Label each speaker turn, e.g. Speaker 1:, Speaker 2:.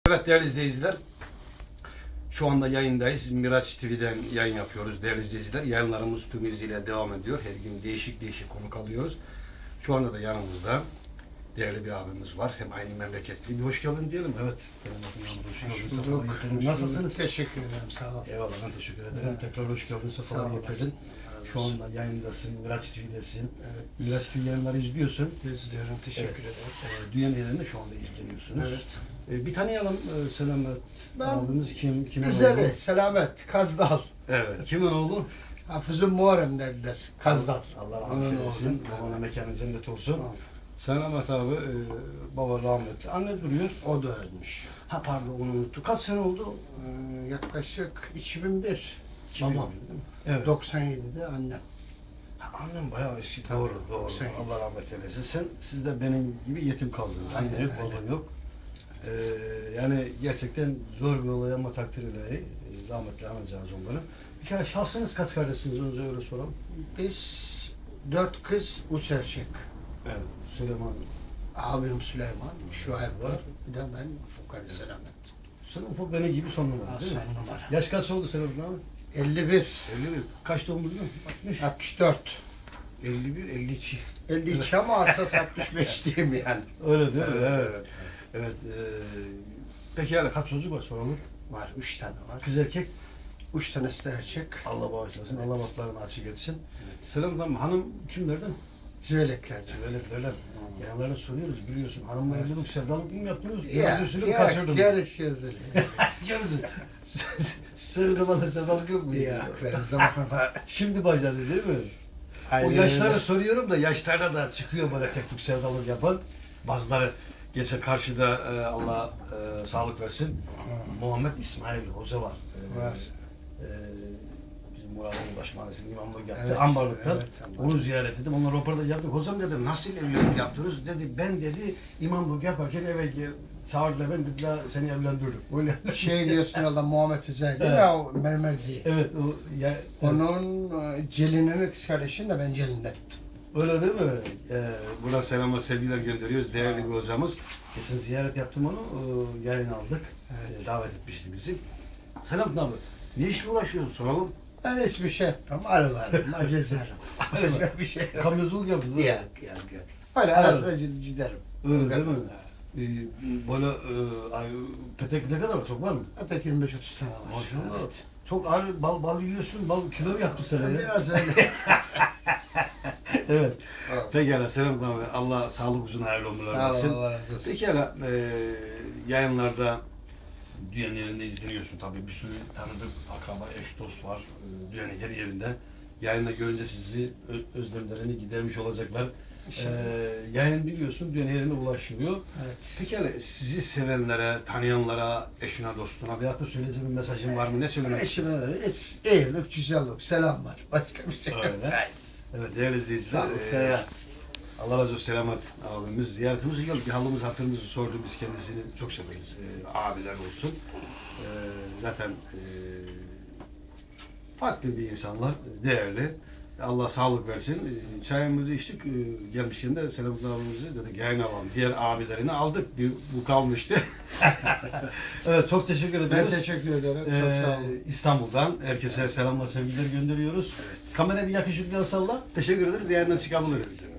Speaker 1: Evet değerli izleyiciler, şu anda yayındayız. Miraç TV'den yayın yapıyoruz değerli izleyiciler. Yayınlarımız tüm hızıyla devam ediyor. Her gün değişik konuk alıyoruz. Şu anda da yanımızda değerli bir abimiz var. Hem aynı memleketli. Bir hoş geldin diyelim. Evet. Senin hoş geldin. Nasılsınız?
Speaker 2: Teşekkür ederim. Sağ ol.
Speaker 1: Eyvallah, ben teşekkür ederim.
Speaker 2: Evet.
Speaker 1: Tekrar hoş geldin. Sefalar getirdin. Şu anda yayındasın. Miraç TV'desin.
Speaker 2: Evet.
Speaker 1: Miraç TV yayınları izliyorsun.
Speaker 2: İzliyorum. Teşekkür ederim.
Speaker 1: Dünya yerinde şu anda izleniyorsunuz.
Speaker 2: Evet.
Speaker 1: Bir tanıyalım Selamet. Abimiz kim? Kimin
Speaker 2: Güzel,
Speaker 1: oğlu?
Speaker 2: Selamet, Kazdal.
Speaker 1: Evet. Kimin oğlu?
Speaker 2: Hafız'ın Muharrem derler. Kazdal.
Speaker 1: Allah
Speaker 2: Onun
Speaker 1: rahmet eylesin.
Speaker 2: oğlu.
Speaker 1: Babana mekanı cennet olsun.
Speaker 2: Tamam.
Speaker 1: Selamet abi, baba rahmetli. Anne duruyor.
Speaker 2: O da ölmüş.
Speaker 1: Ha pardon, onu unuttuk. Kaç sene oldu?
Speaker 2: Yaklaşık 2001.
Speaker 1: 2001
Speaker 2: Babam.
Speaker 1: değil mi? Evet.
Speaker 2: 97'de annem.
Speaker 1: Ha, annem bayağı eski.
Speaker 2: Tabii,
Speaker 1: Doğru.
Speaker 2: 97.
Speaker 1: Allah rahmet eylesin. Siz de benim gibi yetim kaldınız.
Speaker 2: Aynen
Speaker 1: Anne yok,
Speaker 2: öyle.
Speaker 1: baba yok. Yani gerçekten zor bir olay ama takdir ilahi. Rahmetli anacağız onları. Bir kere şahsınız kaç kardeşsiniz? Önce öyle soralım.
Speaker 2: Biz 4 kız, 3 erkek.
Speaker 1: Evet. Süleyman.
Speaker 2: Abim Süleyman, Şuayb var. Bir de ben Fukari Selamet.
Speaker 1: Sen ufak beni gibi son numara değil mi?
Speaker 2: Son numara.
Speaker 1: Yaş kaç oldu Selamet abi?
Speaker 2: 51,
Speaker 1: 51. Kaç doğumlu biliyor musun? 60.
Speaker 2: 64.
Speaker 1: 51, 52.
Speaker 2: 52 ama asas 65 diyeyim yani.
Speaker 1: Öyle değil mi?
Speaker 2: Evet.
Speaker 1: Evet. Evet. Peki yani kaç çocuk var soralım?
Speaker 2: Var, 3 tane var.
Speaker 1: Kız erkek.
Speaker 2: 3 tanesi de erkek.
Speaker 1: Allah bağışlasın.
Speaker 2: Evet.
Speaker 1: Allah batlarını açık etsin.
Speaker 2: Evet.
Speaker 1: Selam tamam. Hanım kimlerden?
Speaker 2: Ziveleklerden.
Speaker 1: Cüveletlerden. Yanlarına soruyoruz biliyorsun. Hanımla evlilik sevdalık mı yaptınız?
Speaker 2: Ya,
Speaker 1: Biraz usulü mü kaçırdın?
Speaker 2: yarışıyoruz öyle.
Speaker 1: Yarısı. Senin zamanda sevdalık yok mu?
Speaker 2: Ya, benim zamanıma.
Speaker 1: Şimdi başladı değil mi? O yaşları soruyorum da yaşlarda da çıkıyor böyle tek tük sevdalık yapan. Bazıları geçen karşıda Allah sağlık versin. Muhammed İsmail Hoca var.
Speaker 2: Var.
Speaker 1: Bizim Murat'ın başmahallesinin imamlık yaptı.
Speaker 2: Evet,
Speaker 1: Ambarlık'tan.
Speaker 2: evet, Ambarlık.
Speaker 1: Onu ziyaret ettim. Onunla röportaj yaptık. Hocam dedim nasıl evlilik yaptınız? Dedi ben dedi imamlık yaparken eve çağırdılar ben dediler seni evlendirdim. Öyle.
Speaker 2: Şey diyorsun Allah Muhammed Hüseyin değil mi?
Speaker 1: Evet.
Speaker 2: O mermerci.
Speaker 1: Evet o ya,
Speaker 2: Onun Celin'in kız kardeşini de ben Celin'den tuttum.
Speaker 1: öyle değil mi? Buna selamlar sevgiler gönderiyoruz. Değerli bir hocamız. Geçen ziyaret yaptım onu. Yayın aldık.
Speaker 2: Evet.
Speaker 1: Davet etmişti bizi. Selam abi. Ne işle uğraşıyorsun soralım.
Speaker 2: Ben hiçbir şey etmem. Arılarım, acezarım. Başka bir şey yok.
Speaker 1: Kamyonculuk yaptın değil mi?
Speaker 2: Yok. Öyle arasına giderim.
Speaker 1: Öyle değil mi? Böyle petek ne kadar var? Çok var mı?
Speaker 2: Hatta 25-30 tane var.
Speaker 1: Maşallah.
Speaker 2: Evet.
Speaker 1: Çok ağır bal yiyorsun. Bal kilo yaptı sana ya.
Speaker 2: Biraz öyle.
Speaker 1: Evet.
Speaker 2: Tamam.
Speaker 1: Pekala selam abi. Allah sağlık uzun hayırlı ömürler
Speaker 2: Sağ ol,
Speaker 1: versin.
Speaker 2: Allah razı olsun.
Speaker 1: Pekala yayınlarda dünyanın yerinde izleniyorsun tabii. Bir sürü tanıdık akraba, eş, dost var. Dünyanın her yerinde. Yayında görünce sizi özlemlerini gidermiş olacaklar. Yayın biliyorsun dünyanın yerine ulaşılıyor.
Speaker 2: Evet.
Speaker 1: Pekala sizi sevenlere, tanıyanlara, eşine, dostuna veyahut da söyleyeceğin bir mesajın var mı? Ne söylemek
Speaker 2: Eşime
Speaker 1: istiyorsun?
Speaker 2: de hiç iyilik, güzellik, selam var. Başka bir şey yok.
Speaker 1: Öyle. Evet değerli izleyiciler.
Speaker 2: Sağlık, seyahat.
Speaker 1: Allah razı olsun Selamet abimiz ziyaretimize geldi. Bir halımız hatırımızı sordu. Biz kendisini çok severiz. Abiler olsun. Zaten farklı bir insanlar. Değerli. Allah sağlık versin. Çayımızı içtik. Gelmişken de Selamet abimizi dedik yayın alalım. Diğer abilerini aldık. Bu kalmıştı. Evet çok teşekkür ediyoruz.
Speaker 2: Ben teşekkür ederim. Çok sağ olun.
Speaker 1: İstanbul'dan herkese selamlar sevgiler gönderiyoruz. Kamera bir yakışıklı salla. Teşekkür ederiz. Yayından çıkabiliriz.